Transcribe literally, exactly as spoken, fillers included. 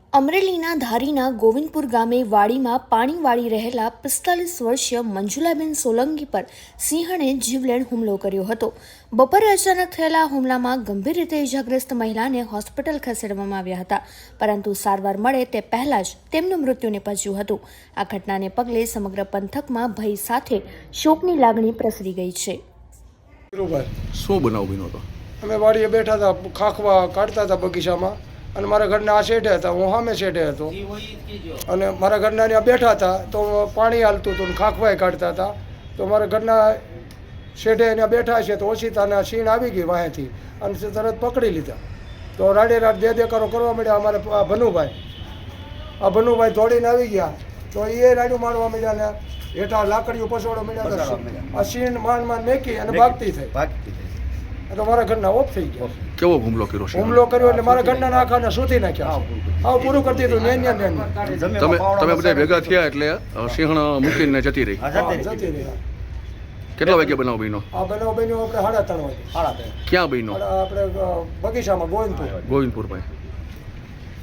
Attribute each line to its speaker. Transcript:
Speaker 1: અમરેલીના ધારીના ગોવિંદપુર ગામે વાડીમાં પાણી વાળી રહેલા પિસ્તાલીસ વર્ષીય મંજુલાબેન સોલંકી પર સિંહણે જીવલેણ હુમલો કર્યો હતો. બપોરે અચાનક થયેલા હુમલામાં ગંભીર રીતે ઇજાગ્રસ્ત મહિલાને હોસ્પિટલ ખસેડવામાં આવ્યા હતા, પરંતુ સારવાર મળે તે પહેલા જ તેમનું મૃત્યુ નિપજ્યું હતું. આ ઘટનાને પગલે સમગ્ર પંથકમાં ભય સાથે શોકની લાગણી પ્રસરી ગઈ છે.
Speaker 2: શું બનાવ બન્યો હતો?
Speaker 3: અમે વાડીએ બેઠા હતા, ખાખવા કાઢતા હતા બગીચામાં, અને મારા ઘરના આ શેઠે હતા, હું સામે શેઠે હતો, અને મારા ઘરના ત્યાં બેઠા હતા તો પાણી હાલતું હતું, ખાખવાય કાઢતા હતા. તો મારા ઘરના શેઠે ત્યાં બેઠા છે તો ઓછીતાના સીણ આવી ગઈ વાહેથી, અને તરત પકડી લીધા. તો રાડે રાડ દે દેકારો કરવા માંડ્યા. અમારે આ ભનુભાઈ આ ભનુભાઈ દોડીને આવી ગયા, તો એ રાડ્યું મારવા માંડ્યા ને હેઠા લાકડીઓ પસોડો માંડ્યા. આ સીણ માંડ માંડ મેકી અને ભાગતી થઈ. તો મારા ઘરના ઓફ થઈ ગયા.
Speaker 2: કેવો હુમલો કર્યો છે?
Speaker 3: હુમલો કર્યો એટલે મારા ઘરના નાખાને શોધી નાખ્યા. આવું પૂરું કરી દીધું. નેન્યા નેન્યા
Speaker 2: તમે તમે બધા ભેગા થયા એટલે સિંહણ મૂકીને જતી રહી.
Speaker 3: જતી રહ્યા.
Speaker 2: કેટલા વાગે બનાવ બન્યો?
Speaker 3: આ બનાવ બન્યો આપણે સાડા ત્રણ વાગે.
Speaker 2: ક્યાં બન્યો?
Speaker 3: આપણે બગીચામાં ગોવિંદપુર
Speaker 2: ગોવિંદપુર ભાઈ.